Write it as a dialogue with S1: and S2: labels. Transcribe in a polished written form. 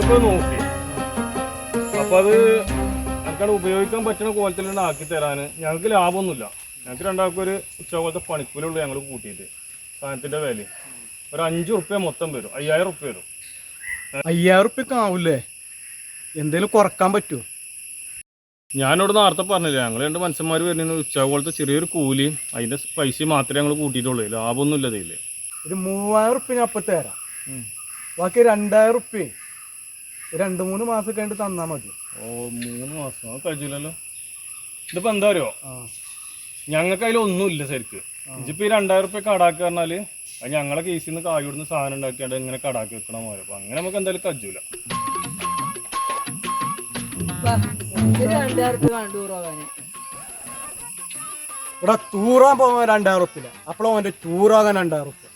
S1: ഞങ്ങളിപ്പോൾ നോക്കി. അപ്പോൾ അത് ഞങ്ങൾക്ക് ഉപയോഗിക്കാൻ പറ്റുന്ന കോലത്തിൽ തന്നെ ആക്കി തരാൻ ഞങ്ങൾക്ക് ലാഭമൊന്നുമില്ല. ഞങ്ങൾക്ക് രണ്ടാൾക്കും ഒരു ഉച്ചപോലത്തെ പണിക്കൂലുള്ളൂ ഞങ്ങൾ കൂട്ടിയിട്ട്. സാധനത്തിൻ്റെ വില ഒരു 5 ഉറുപ്പ്യ മൊത്തം വരും, 5000 ഉറുപ്പ്യ വരും.
S2: 5000 ഉറുപ്പ്യക്ക് ആവൂലേ? എന്തെങ്കിലും കുറക്കാൻ പറ്റുമോ?
S1: ഞാനിവിടെ നേരത്തെ പറഞ്ഞില്ല, ഞങ്ങൾ 2 മനുഷ്യന്മാർ വരുന്ന ഉച്ചപോലത്തെ ചെറിയൊരു കൂലിയും അതിൻ്റെ പൈസ മാത്രമേ ഞങ്ങൾ കൂട്ടിയിട്ടുള്ളൂ. ലാഭമൊന്നുമില്ല ഇതിൽ.
S2: ഒരു 3000 ഉറുപ്പ്യ ഞാൻ അപ്പം തരാം. ബാക്കി 2000 ഉറുപ്പ്യ 2-3 മാസം കഴിഞ്ഞിട്ട് തന്നാൽ മതി.
S1: ഓ 3 മാസം അത് കഴിച്ചില്ലല്ലോ. ഇതിപ്പോൾ എന്താ അറിയോ, ഞങ്ങൾക്ക് അതിലൊന്നുമില്ല ശരിക്ക്. ഇതിപ്പോൾ ഈ 2000 ഉറുപ്പ്യ കടാക്കുക പറഞ്ഞാൽ അത് ഞങ്ങളെ കേസിൽ നിന്ന് കായ് കൊടുന്ന് സാധനം ഉണ്ടാക്കിയാണ്ട് ഇങ്ങനെ കടാക്കി വെക്കണ പോലെ. അപ്പം അങ്ങനെ നമുക്ക് എന്തായാലും കജൂല.
S2: ഇവിടെ ടൂറാൻ പോകാൻ 2000 ഉറുപ്പ്യ, അപ്പോഴും അവൻ്റെ ടൂറാകാൻ 2000 ഉറുപ്പ്യ.